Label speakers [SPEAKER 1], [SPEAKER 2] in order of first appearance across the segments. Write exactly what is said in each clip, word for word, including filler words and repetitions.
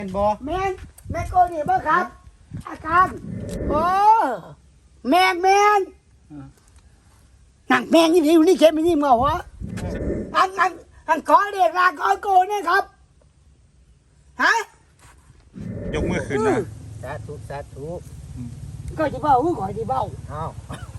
[SPEAKER 1] นบอ
[SPEAKER 2] แมนแมนโกนี่บ่ครับ อาการโอ้แมนแมนนั่งแมงนี่อยู่นี่เข้มนี่มึงเหรอวะอันอันอันขอเรียกลาขอโกเนี่ยครับฮะ
[SPEAKER 3] ยกมือขึ้นนะ
[SPEAKER 1] สาธุสาธุ
[SPEAKER 2] ก็จะเบ้าขอจะเบ้า
[SPEAKER 1] อ้าวน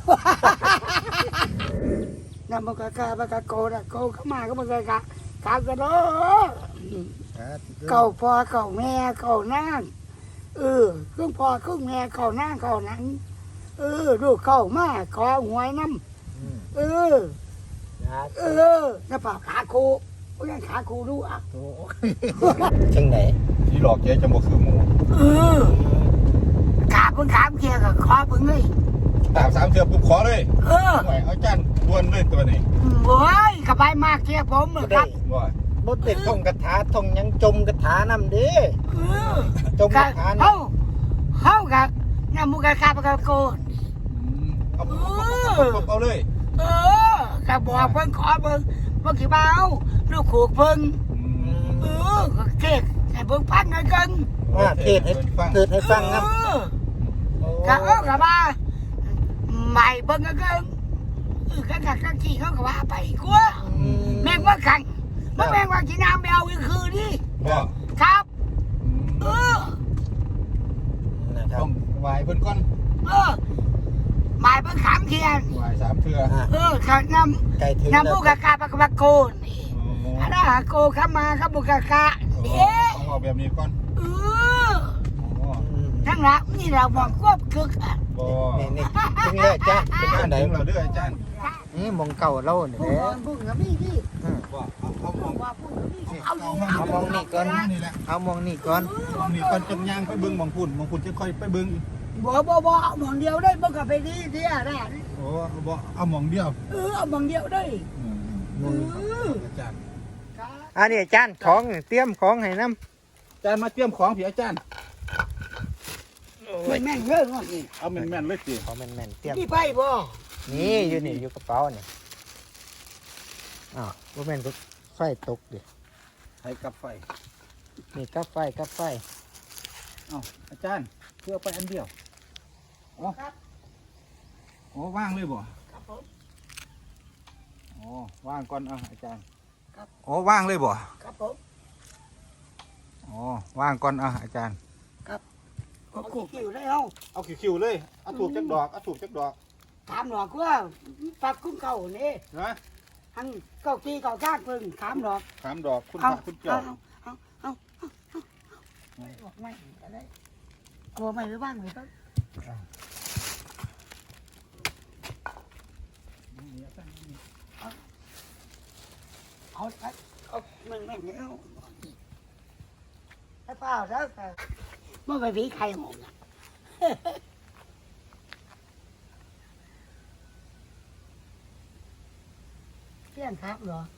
[SPEAKER 2] ำมันกะกะมันกะโกนะโกเข้ามาก็มันกะกะกะกะโด
[SPEAKER 1] สาธุ
[SPEAKER 2] เก่าพ่อเก่าแม่เก่านางเออเครื่องพ่อเครื่องแม่เก่านางเก่านังเออลูกเข้ามาขอหวยน้ำเออ
[SPEAKER 1] สา
[SPEAKER 2] เอ
[SPEAKER 1] ธุ
[SPEAKER 2] อน้าป่าขาคูโอ้ยขาคูดูอ่ะ
[SPEAKER 1] โอ้จังไหน
[SPEAKER 3] ที่หลอกแกจะบอกคือหมู
[SPEAKER 2] เออขาเพิ่งขามเกียร์กับคอเพิ่งเลย
[SPEAKER 3] ตามสามเทือปุ๊บขอเลย
[SPEAKER 2] เออ
[SPEAKER 3] หน่อยเอาจานดวนเลยตัวนี้
[SPEAKER 2] โอ้ยกระบายมากเกียร์ผมเลยครับ
[SPEAKER 3] ว่า
[SPEAKER 1] บ่ได้ท่องคาถาท่องหยังจมคาถานำเด้
[SPEAKER 2] เออ
[SPEAKER 1] จมคาถา
[SPEAKER 2] เฮาน
[SPEAKER 1] ำ
[SPEAKER 2] เฮากับน้ำมุกกะกาปะกะโกน
[SPEAKER 3] เอาปุ๊บเอาเลย
[SPEAKER 2] เออกะบอกเพิ่งขอเพิ่งเพิ่งกี่เบาลูกขูกเพิ่งเออก็เก๊กให้เพิ่งพันหน่อยกัน
[SPEAKER 1] ว่าเทศให้เทศให้ฟังครับ
[SPEAKER 2] เออกะเออกะมาใหม่เพิ่งก็เกินเออกะกะกะขี่เขาก็ว่าไปกลัวแม่งว่าขังมันแม่งว่ากินน้ำแมวอีกคืนนี่
[SPEAKER 3] ว่า
[SPEAKER 2] ครับเออ
[SPEAKER 1] นะครับ
[SPEAKER 3] ต้องไหวเพิ่นก้อน
[SPEAKER 2] เออหมายเพิ่งขามเทียน
[SPEAKER 3] ไหวสามเทือ
[SPEAKER 1] อ่ะ
[SPEAKER 2] เออขันน้
[SPEAKER 1] ใกล้ถึง
[SPEAKER 2] ำ
[SPEAKER 1] แล้ว
[SPEAKER 2] น้ำมุกกะกาปะกะโกนนี่อันนั้นหาโกเข้ามาครับมุกกะกะเด้
[SPEAKER 3] ต้องเอาแบบนี้ก้อน
[SPEAKER 2] เออ
[SPEAKER 1] อืม
[SPEAKER 2] ทั้งหลังนี่เราบอกควบคึกอ่ะ
[SPEAKER 3] บ่
[SPEAKER 1] นี่นี่ถึงแล้วจ้ะเป็น
[SPEAKER 3] อา
[SPEAKER 1] จังไหน
[SPEAKER 3] ถึงเราเด้ออาจารย์
[SPEAKER 1] นี่มองเก่าเราเนี่ย
[SPEAKER 2] พูด
[SPEAKER 1] แหละ
[SPEAKER 2] ก่อนพูดกับพี่พี่
[SPEAKER 1] อืม
[SPEAKER 3] ว่าเอาเอามอง
[SPEAKER 2] ว่าพูดกับพี่เอาอยู่
[SPEAKER 1] เอามองนี่ก่อน
[SPEAKER 3] นี่แหละ
[SPEAKER 1] เอามองนี่ก่อน
[SPEAKER 3] มองนี่ก่อนจนย่างไปเบิ่งมองพุ่นมองพุ่นจะค่อยไปเบิ่ง
[SPEAKER 2] บ่บ่บ่เอาหมองเดียวได้บ่กับไปดีเดียได้
[SPEAKER 3] โอ้บ่เอามองเดียว
[SPEAKER 2] เออเอาหมองเดียวได้
[SPEAKER 1] มอง
[SPEAKER 2] เออ
[SPEAKER 3] อาจารย์
[SPEAKER 1] อันนี้อาจารย์ของนี่เตรียมของให้น้ำ
[SPEAKER 3] อาจารย์มาเตรียมของพี่อาจารย์
[SPEAKER 2] มันแม่งเยอะมากนี่
[SPEAKER 3] เอาแม่นๆเลยสิ
[SPEAKER 1] ของแม่นๆเตรียม
[SPEAKER 2] พี่ไปบ่
[SPEAKER 1] นี่อยู่นี่อยู่กระเป๋านี่อ้าวว่าแม่นก็ไฟตกดิ
[SPEAKER 3] ให้กับไฟ
[SPEAKER 1] นี่กับไฟกับไฟ
[SPEAKER 3] เอ้าอาจารย์เพื่อไปอันเดียวอ๋อ
[SPEAKER 2] ครับ
[SPEAKER 3] อ๋อว่างเลยบ่
[SPEAKER 2] ครับผม
[SPEAKER 3] อ๋อว่างก่อนอ่ะอาจารย์
[SPEAKER 2] ครับ
[SPEAKER 3] อ๋อว่างเลยบ่
[SPEAKER 2] ครับผม
[SPEAKER 3] อ๋อว่างก่อนอ่ะอาจารย์
[SPEAKER 2] ก็กูคิวได้เอา
[SPEAKER 3] เอาคิวๆเลยเอาถูกจักดอกเอาถูกจักดอก
[SPEAKER 2] ถามหนอกว่าปักคุ้มเก่านี่
[SPEAKER 3] นะ
[SPEAKER 2] หันเก้าตีเก้าชาติเพิ่งถามหนอก
[SPEAKER 3] สามดอกคุณพ
[SPEAKER 2] เอา
[SPEAKER 3] ระคุณเจ้า
[SPEAKER 2] เอาเอาเอาเอาบอกไม่อะไรกลัวไม่หรือบ้างเลยครับเอาเอาเอามึงแม่งเอาถ้าเปล่าแล้วแต่เมื่อไปผีใครหงอ่ะเที่ยงครับเหรอ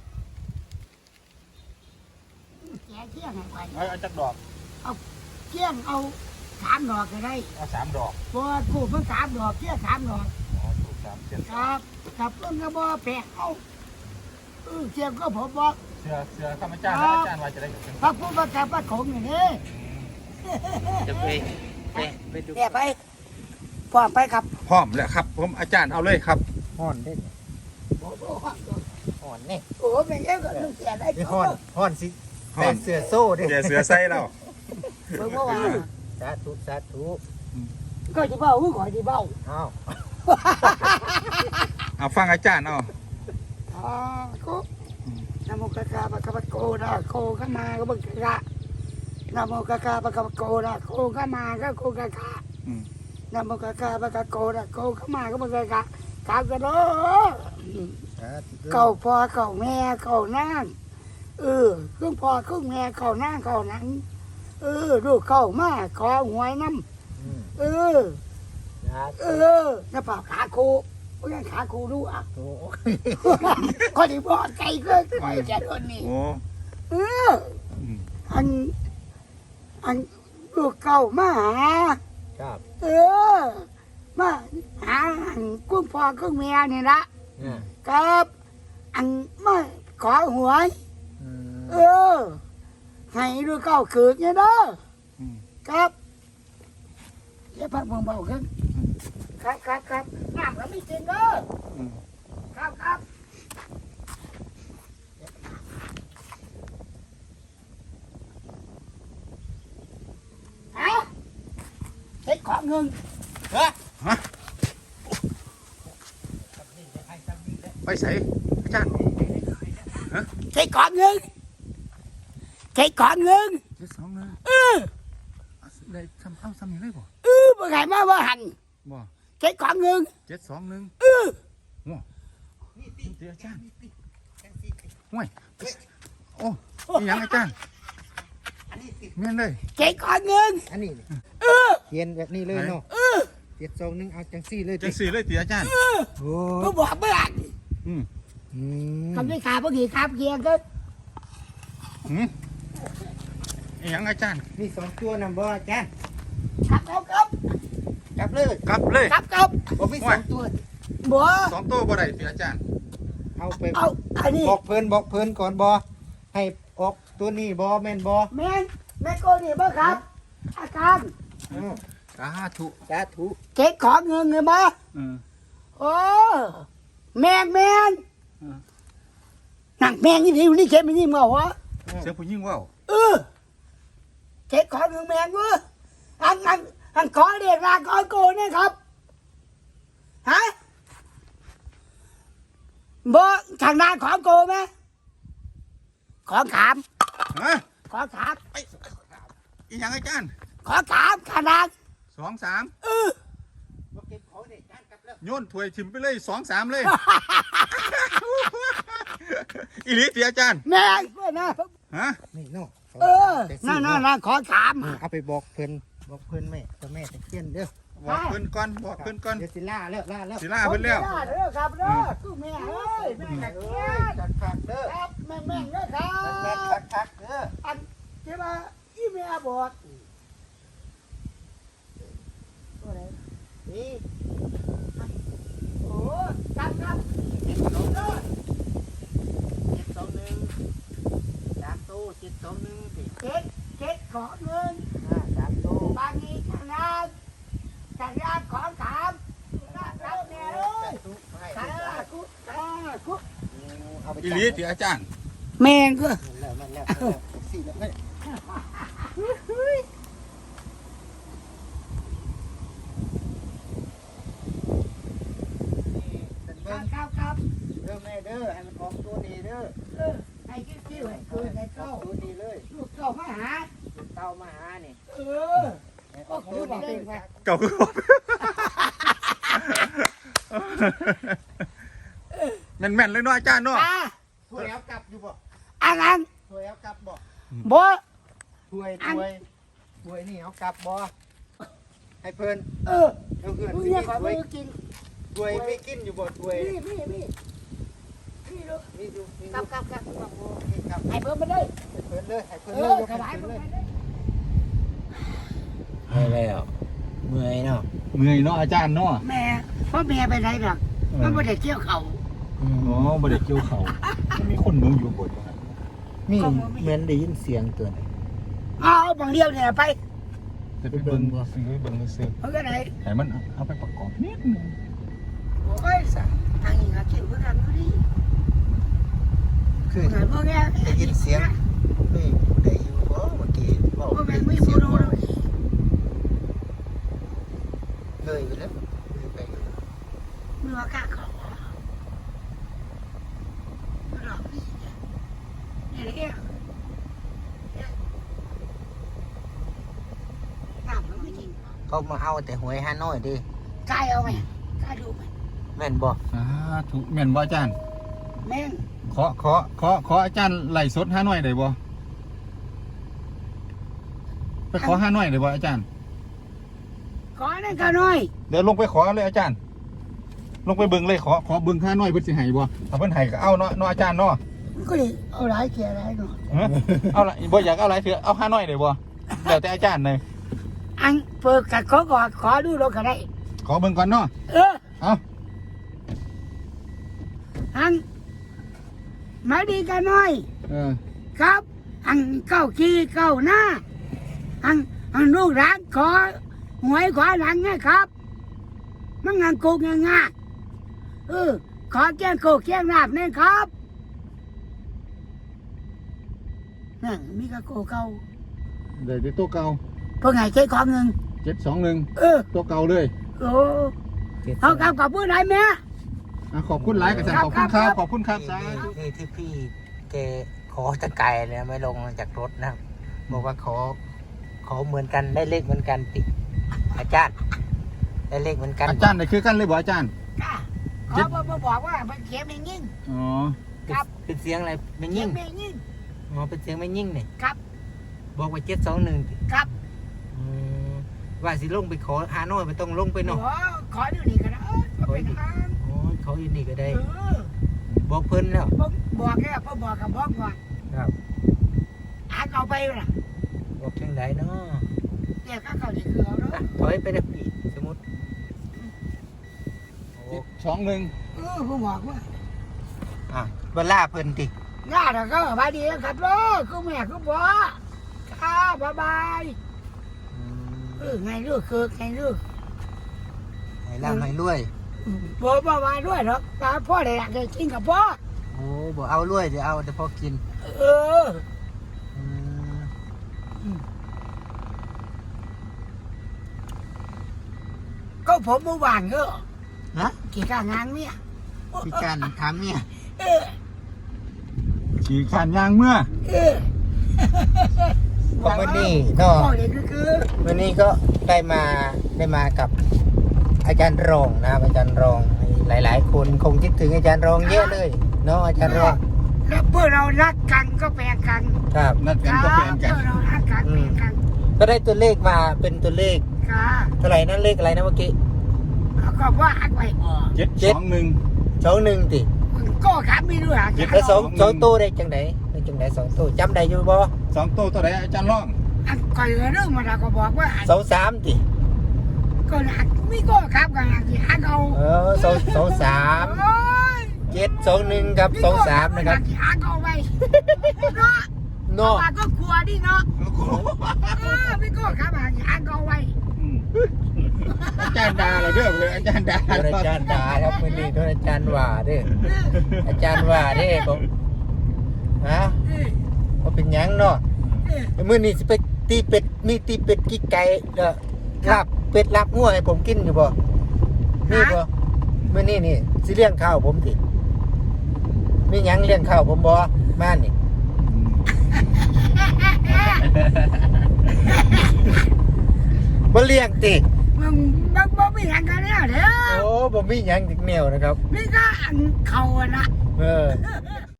[SPEAKER 2] แกเที่ยงไงไป
[SPEAKER 3] เอาเอาจักดอก
[SPEAKER 2] เที่ยงเอาสามดอกก็ได้
[SPEAKER 3] เอาสามดอก
[SPEAKER 2] บัวกูมันสามดอกเที่ยงสามดอก
[SPEAKER 3] อ๋อถูกสามเจ็ด
[SPEAKER 2] ครับกับเพิ่งก็บ่แปลกเอาเออเทียมก็ผมบอก
[SPEAKER 3] เสือเสือข้าพเจ้าแล้วอาจารย์ว่าจะได้กับเป็น
[SPEAKER 2] พระพุทธเจ้าพระคงอย่างนี้
[SPEAKER 1] จะไปไปไปดู
[SPEAKER 2] แย่ไปพร้อมไปครับ
[SPEAKER 3] พร้อมแล้วครับ ผมอาจารย์เอาเลยครับ
[SPEAKER 1] ห่อนได้
[SPEAKER 2] โอ้โห
[SPEAKER 1] ห่อนนี่
[SPEAKER 2] โอ้โหเป็นเอ้ก็ต้องเสียได้
[SPEAKER 1] นี่ห่อนห่อนสิแต่เสือโซ่ดิ
[SPEAKER 3] แกเสือใส่แล้ว
[SPEAKER 2] เพิ่งเมื่อวาน
[SPEAKER 1] สาธุสาธุ
[SPEAKER 2] ก็จะเบ้าขอจะเบ้า
[SPEAKER 1] อ้าว
[SPEAKER 3] เอาฟังอาจารย์เอา
[SPEAKER 2] อ๋อก็นโมกะกาปะกะปะโกนะโคเข้ามาก็บังกะนโมกะกาปะกะปะโกนะโคเข้ามาก็โคกะกะ
[SPEAKER 3] อืม
[SPEAKER 2] นโมกะกาปะกะโกนะโคเข้ามาก็บังกะกะกะกะโด
[SPEAKER 1] สาธุ
[SPEAKER 2] เก่าพ่อเก่าแม่เก่านางเออเครื่องพ่อเครื่องแม่เก่านางเก่านังเออลูกเข้ามาขอหวยน้
[SPEAKER 1] อืม
[SPEAKER 2] ำเออ
[SPEAKER 1] สา
[SPEAKER 2] เอ
[SPEAKER 1] ธุ
[SPEAKER 2] อน้าป่าขาคูโอ้ยขาคูดูอ่ะ
[SPEAKER 1] โอ้
[SPEAKER 2] คนที่บอกใจก็คอยจะโดนนี่
[SPEAKER 3] โอ้
[SPEAKER 2] เออ
[SPEAKER 3] อืม
[SPEAKER 2] อันอันลูกเก่ามาหา
[SPEAKER 1] ครับ
[SPEAKER 2] เออมาหาอันกุ้งพ่อกุ้งแม่นี่ละ
[SPEAKER 1] อ่า
[SPEAKER 2] ครับอันมาขอหวย
[SPEAKER 1] อืม
[SPEAKER 2] เออให้ดูเก้าเกิดเนี่ยเด้อ
[SPEAKER 3] อืม
[SPEAKER 2] ครับอย่าพักเบาๆขึ้นครับครับครับน้ำก็ไม่กินเด้อ
[SPEAKER 3] อืม
[SPEAKER 2] ครับครับเอาเฮ็ดของเงิน
[SPEAKER 3] ฮะไปใส่อาจารย์
[SPEAKER 2] เฮ็ดของเงินเฮ็ดของเงิน
[SPEAKER 3] เจ็ดสองหนึ่ง
[SPEAKER 2] เออ
[SPEAKER 3] เอาได้ทำเอาซ้ำนี่เลยบ่
[SPEAKER 2] เออบ่ไงมาว่าหัน
[SPEAKER 3] บ่
[SPEAKER 2] เฮ็ดของเงิน
[SPEAKER 3] เจ็ดสองหนึ่ง
[SPEAKER 2] เออ
[SPEAKER 3] ว้านี่ตีอาจารย์ห่วยโอ้ยยังอาจารย์แม่นเลย
[SPEAKER 2] เฮ็ดของเงิน
[SPEAKER 1] อันนี้
[SPEAKER 2] เออ
[SPEAKER 1] เขียนแบบนี้เลยเนาะ
[SPEAKER 2] เออ
[SPEAKER 1] เจ็ดสองหนึ่งเอาจังสี่เลย
[SPEAKER 3] จังสี่เลยตีอาจารย์
[SPEAKER 2] เออ
[SPEAKER 1] โอ้
[SPEAKER 2] ก็บอกเมื่อไหร่
[SPEAKER 3] อืม
[SPEAKER 1] อืม
[SPEAKER 2] ทำได้ขาพวกนี้ครับเกียร์ก็
[SPEAKER 3] หืมอิหยังอาจารย์
[SPEAKER 1] มีสองตัวนำบ่อาจารย์
[SPEAKER 2] ครับครับครับ
[SPEAKER 1] จับเลย
[SPEAKER 3] กลับเลย
[SPEAKER 2] ครับครับ
[SPEAKER 1] บ่มีสองตัว
[SPEAKER 2] บัว
[SPEAKER 3] สองตัวบ่ได้ตีอาจารย์
[SPEAKER 1] เอาไป
[SPEAKER 2] เอาอันนี้
[SPEAKER 1] บอกเพิ่นบอกเพิ่นก่อนบ่ให้ออกตัวนี้บ่แม่นบ่
[SPEAKER 2] แม่นแม่โกนี่บ่ครับ อาการ
[SPEAKER 1] อ้าว
[SPEAKER 3] สาธุ
[SPEAKER 1] สาธุ
[SPEAKER 2] เก็บของเงินเลยบ่
[SPEAKER 3] อืม
[SPEAKER 2] โอ้แม่งแม่น
[SPEAKER 3] อืม
[SPEAKER 2] นั่งแม่งนี่อยู่นี่เก็บไม่นี่มาหัว
[SPEAKER 3] เสียงผู้หญิงเว้า
[SPEAKER 2] เออเก็บของเงินแม่งเว้ยอันอันอันขอเรียกลาขอโกนี่ครับฮะบ่ทางหน้าของโกไหมของขาม
[SPEAKER 3] ฮะ
[SPEAKER 2] ของขาม
[SPEAKER 3] ไปอีหยังอาจารย์
[SPEAKER 2] ของขามขนาด
[SPEAKER 3] สองสาม
[SPEAKER 2] เออ
[SPEAKER 1] บ่เก็บของนี่อาจารย์กลับแล้ว
[SPEAKER 3] โยนถ้วยทิมไปเลยสองสามเลย อีหลีตีอาจารย์
[SPEAKER 2] แม่งเว้ยนะ
[SPEAKER 3] ฮะ
[SPEAKER 1] นี่เนาะ
[SPEAKER 2] เออ
[SPEAKER 1] จังสี่
[SPEAKER 2] นั่นนั่น
[SPEAKER 1] เาะ
[SPEAKER 2] นั่นขอขาม
[SPEAKER 1] อ่าเอาไปบอกเพิ่นบอกเพิ่นแม่เจ้าแม่ตะเคียนเด้อ
[SPEAKER 3] บอกเพิ่นก่อนบอกเพิ่นก่อน
[SPEAKER 1] เดี๋ยวสิล่าแล้วล่าแล้ว
[SPEAKER 3] สิลาเพิ่นแล้ว
[SPEAKER 2] เด้อครับเด้อกูแม่เอ้ยแม่ตะเคียน
[SPEAKER 1] จัดคักเด้อ
[SPEAKER 2] ครับแม่แม่งเด้อครั
[SPEAKER 1] แม่น
[SPEAKER 2] บ
[SPEAKER 1] คักคักเด้อ
[SPEAKER 2] อันที่ว่าอีแม่บอกตัวไหน
[SPEAKER 1] นี่
[SPEAKER 2] โอ้ครับครับ
[SPEAKER 1] เจ็ดสองหนึ่งเจ็ดสองหนึ่งสามตู้เจ็ดสองหนึ่งสิ
[SPEAKER 2] เจ็ดเจ็ดขอเงิน
[SPEAKER 1] อ่าสามตู้
[SPEAKER 2] บางทีทางด้านทางด้านของขามครับแม่เอ้ย
[SPEAKER 1] ตู้ให้
[SPEAKER 2] สาธุสาธุ
[SPEAKER 1] เอาไป
[SPEAKER 3] อีหลีตีอาจารย์
[SPEAKER 2] แม่งก็
[SPEAKER 1] แล้วมันแล้วแล้วสี่แล้วเอ้ย
[SPEAKER 2] ครั
[SPEAKER 1] เบิ่
[SPEAKER 2] บ
[SPEAKER 1] ง
[SPEAKER 2] ครับครับ
[SPEAKER 1] เด้อแม่เด้อให้มันออกตัวนี้เด้อ
[SPEAKER 2] เออให้คิดคิดให้เกิดให้
[SPEAKER 1] ออ
[SPEAKER 2] เข้าก
[SPEAKER 1] ตัวนี้เลย
[SPEAKER 2] ลูกเข้ามาหา
[SPEAKER 1] เต้ามาหานี่
[SPEAKER 2] เออ
[SPEAKER 1] ให้ออกตัวนี้เลย
[SPEAKER 3] เก่าคือบอกแม่นๆเลยเนาะอาจารย์เนาะ
[SPEAKER 2] อ่ะ
[SPEAKER 1] ถ้วยเอากลับอยู่บ่
[SPEAKER 2] อันนั้น
[SPEAKER 1] ถ้วยเอากลับบ่
[SPEAKER 2] บ่
[SPEAKER 1] ถ้วยถ้วยถ้วยนี่เอากลับบ่ให้เพิ่น
[SPEAKER 2] เออ
[SPEAKER 1] เอาเพื่อน
[SPEAKER 2] มึง
[SPEAKER 1] สิ
[SPEAKER 2] เนี่ยขอ
[SPEAKER 1] ถ้วย
[SPEAKER 2] มือกิน
[SPEAKER 1] ถ้วยไม่กินอยู่บ่ถ้วย
[SPEAKER 2] นี่นี่นี่นี่ลูก
[SPEAKER 1] มีอยู่มีอ
[SPEAKER 2] ครั
[SPEAKER 1] ยู่
[SPEAKER 2] บครับครับครับ
[SPEAKER 1] นี่ครับ
[SPEAKER 2] ให้เพิ่มมาได้
[SPEAKER 1] ให้เพิ่นเลยให้เพิ่น
[SPEAKER 2] เอ
[SPEAKER 1] เลย
[SPEAKER 2] อย
[SPEAKER 1] ก
[SPEAKER 2] ข
[SPEAKER 1] ให้
[SPEAKER 2] ยาย
[SPEAKER 1] เพิ่น
[SPEAKER 2] เพิ่ม
[SPEAKER 1] เลย
[SPEAKER 2] มาได้
[SPEAKER 1] ไม่แล้วเมื่อยเนาะ
[SPEAKER 3] เมื่อยเนาะอาจารย์เนาะ
[SPEAKER 2] แม่พ่อแม่ไปไหนหรอกมันไม่ได้เกี่ยวเขา
[SPEAKER 3] อ๋อบ่ได้เกี่ยวเขามันมีคนเมืองอยู่บนว่างั้น
[SPEAKER 1] มีเหมือนได้ยินเสียงตัวไหน
[SPEAKER 2] เอาบางเดียวเนี่ยไป
[SPEAKER 3] จะไปเบิ่งบ่ซื้อเบิ่งซื้อ
[SPEAKER 2] เอาก็ไหน
[SPEAKER 3] ให้มันเอาไปประกอบนิดนึง
[SPEAKER 2] โอ้ยสัทางนี้หาเกี่ยวกับกันพอดี
[SPEAKER 1] คือ
[SPEAKER 2] หาพวกเนี้ย
[SPEAKER 1] ได้ยินเสียงนี่ได้อยู่บ่เมื่อกี้บอก
[SPEAKER 2] พ่อแม่
[SPEAKER 1] ได้
[SPEAKER 2] ไม่
[SPEAKER 1] ยินเสี
[SPEAKER 2] พู
[SPEAKER 1] ย
[SPEAKER 2] ด
[SPEAKER 1] ง
[SPEAKER 2] เล
[SPEAKER 1] บ่
[SPEAKER 2] ย
[SPEAKER 1] เลยไปแล้วเลยไปแล้ว
[SPEAKER 2] มือว่ากล้าเขาหลอกนี่เนี่ยเนี่ยตามมันไม่จริง
[SPEAKER 1] เขามาเอาแต่หวยฮานอยดิ
[SPEAKER 2] กายเอาไหมกายดูไหม
[SPEAKER 1] แม่นบ่
[SPEAKER 3] สาธุแม่นบ่อาจารย์
[SPEAKER 2] แม่ง
[SPEAKER 3] ขอขอขอขออาจารย์ไล่สดห้าหน่อยได้บ่ไปขอห้าหน่อยได้บ่อาจารย์
[SPEAKER 2] ขอนั่นก็น้อย
[SPEAKER 3] เดี๋ยวลงไปขอเลยอาจารย์ ลงไปเบิ่งเลยขอขอเบิ่งห้าหน่อยเพิ่นสิให้บ่ถ้าเพิ่นให้ก็เอาเนาะเนาะอาจารย์เนาะ
[SPEAKER 2] มันก็เลยเอาหลายแก่หลายหน่อย
[SPEAKER 3] ฮะเอาละบ่อยากเอาหลายเถื่อเอาห้าหน่อยได้บ่แล้วแต่อาจารย์เลย
[SPEAKER 2] อันเปิดกัดขอก่อนขอดูเราก็ได้
[SPEAKER 3] ขอเบิ่งก่อนเนาะ
[SPEAKER 2] เออ
[SPEAKER 3] เอา
[SPEAKER 2] อันมาดีกันหน่อย
[SPEAKER 3] เออ
[SPEAKER 2] ครับอันเก้าขี้เก้าหน้าอันอันลูกหลานขอหวยขอหลังนะครับมันงานโกงง่ายๆเออขอแก้งโกแก้งลาบเนี่ยครับนั่นมีกระโกเก่า
[SPEAKER 3] เดี๋ยวตัวเก่า
[SPEAKER 2] เพราะไงใช้ของเงิน
[SPEAKER 3] เจ็ดสองหนึ่ง
[SPEAKER 2] เออ
[SPEAKER 3] ตัวเก่าเลย
[SPEAKER 2] โอ้เอากับกับผู้ใดแม่
[SPEAKER 3] อ่ะขอบคุณหลายกับสันขอบคุณครับขอบคุณครับสาธุ
[SPEAKER 1] นี่ที่พี่แกขอตะไกลเลยไม่ลงจากรถนะครับบอกว่าขอขอเหมือนกันได้เลขเหมือนกันติอาจารย์ได้เลขเหมือนกัน
[SPEAKER 3] อาจารย์นี่คือกันเลยบ่อาจารย์
[SPEAKER 2] จ้าขอมาบอกว่ามันเขียนไม่ยิ่ง
[SPEAKER 3] อ๋อ
[SPEAKER 2] ครับ
[SPEAKER 1] เป็นเสียงอะไรไม่
[SPEAKER 2] เขีย
[SPEAKER 1] ยิ่
[SPEAKER 2] น
[SPEAKER 1] ง
[SPEAKER 2] ไม่ยิ่ง
[SPEAKER 1] อ๋อเป็นเสียงไม่ยิ่งเนี่ย
[SPEAKER 2] ครับ
[SPEAKER 1] บอกว่าเจ็ดสองหนึ่ง
[SPEAKER 2] ครับ
[SPEAKER 1] ว่าสิลงไปขออาโน่ไม่ต้องลงไป
[SPEAKER 2] ข
[SPEAKER 1] เนาะ
[SPEAKER 2] อขอดูนี่ก็ได้เออไปทาง
[SPEAKER 1] โอ้ยเขาอยู่นี่ก็ได้
[SPEAKER 2] เออ
[SPEAKER 1] บอกเพิ่นแล้ว
[SPEAKER 2] ผมบอกแค่ผมบอกกับบอกก่อน
[SPEAKER 1] ครับ
[SPEAKER 2] อ่านเอาไปล่ะ
[SPEAKER 1] บอกจังไดเนาะ
[SPEAKER 2] เดี๋ยวก็เขาจะคือเอาเนาะ
[SPEAKER 1] อ่ะถอยไปได้พี่สมมติโอ้
[SPEAKER 3] เจ็ดสองหนึ่ง
[SPEAKER 2] เออผมบอกว่า
[SPEAKER 1] อ่ะเวลาเพิ่นติ
[SPEAKER 2] ญาติก็สบายดีครับลูกคือแม่คือพ่อครับบ๊ายบายเออไงลูกคือไงลูก
[SPEAKER 1] ให้ร่ำให้รวย
[SPEAKER 2] บ่บ่มาด้วยหรอกตาพ่อได้อยากจะกินกับพ่อ
[SPEAKER 1] โอ้บ่เอารวยเดี๋ยวเอาแต่พอกิน
[SPEAKER 2] เออ
[SPEAKER 1] อืม
[SPEAKER 2] ก็ผมเมื่อวานก็
[SPEAKER 1] ฮะ
[SPEAKER 2] กี่การงานเนี่ย
[SPEAKER 1] พี่การถามเนี่ย
[SPEAKER 2] เออ
[SPEAKER 3] ขี่ขานยางเมื่อ
[SPEAKER 2] เออ
[SPEAKER 1] ก็วันนี้เนาะ
[SPEAKER 2] พ่อเด็กก็คือ
[SPEAKER 1] วันนี้ก็ได้มาได้มากับอาจารย์รองนะครับอาจารย์รองหลาย ๆ คนคงคิดถึงอาจารย์รองเยอะเลยเนาะอาจารย์รอง
[SPEAKER 2] แล้วเพื่อเรารักกันก็แปลกัน
[SPEAKER 1] ครับ
[SPEAKER 3] นัดกันก็แฟนกัน
[SPEAKER 2] เพื่อเรารักกันแปลกัน
[SPEAKER 1] ก็ได้ตัวเลขมาเป็นตัวเลข
[SPEAKER 2] ค่ะ
[SPEAKER 1] เท่าไหร่นั่นเลขอะไรนะเมื่อกี้
[SPEAKER 2] แล้วก็ว่าอักไว้บ่
[SPEAKER 3] เจ็ดสองหนึ่ง
[SPEAKER 1] สองหนึ่งติ
[SPEAKER 2] ก็ขาไม่รู้หา
[SPEAKER 1] แล้วสองสองตู้ได้จังไหนได้จังไหนสองตู้จำได้อยู่บ่
[SPEAKER 3] สองตัวตัวไหนอาจารย์ร้อง
[SPEAKER 2] อันก่อนเรื่องมันเราก็บอกว่า
[SPEAKER 1] สองสามติ
[SPEAKER 2] ก็หนักไม่ก็ครับกันหนักที่อักเอา
[SPEAKER 1] เออสองสองสาม
[SPEAKER 2] โอ้ย
[SPEAKER 1] เจ็ดสองหนึ่งกับสองสามนะครับ
[SPEAKER 2] ที่อักเอาไว้เนาะ
[SPEAKER 1] เนาะ
[SPEAKER 2] ปาก็กลัวดิเนาะเออไม่ก็ครับหนักที่อักเอาไว้
[SPEAKER 3] อืมอาจารย์ดาเราเด้อเลยอาจารย์ดา
[SPEAKER 1] โดนอาจารย์ด่าครับมือนี้โดนอาจารย์ว่าเด้ออาจารย์ว่าเด้อผมฮะ
[SPEAKER 2] เออ
[SPEAKER 1] ว่าเป็นหยังเนาะ
[SPEAKER 2] เออ
[SPEAKER 1] มื้อนี้สิไปตีเป็ดมีตีเป็ดกี่ไก่เด้อลาบเป็ดลาบงัวให้ผมกินอยู่บ่มีบ่มื้อนี้นี่สิเลี้ยงข้าวผมติมีหยังเลี้ยงข้าวผมบ่มานี่ บ่เลี้ยงติ
[SPEAKER 2] มึงมึงมึงไม่อยากกันแล้วเด้อ
[SPEAKER 1] โอ้บ่มีหยังจักแนวนะครับ
[SPEAKER 2] นี่ก็อันเขาอะนะ
[SPEAKER 1] เออ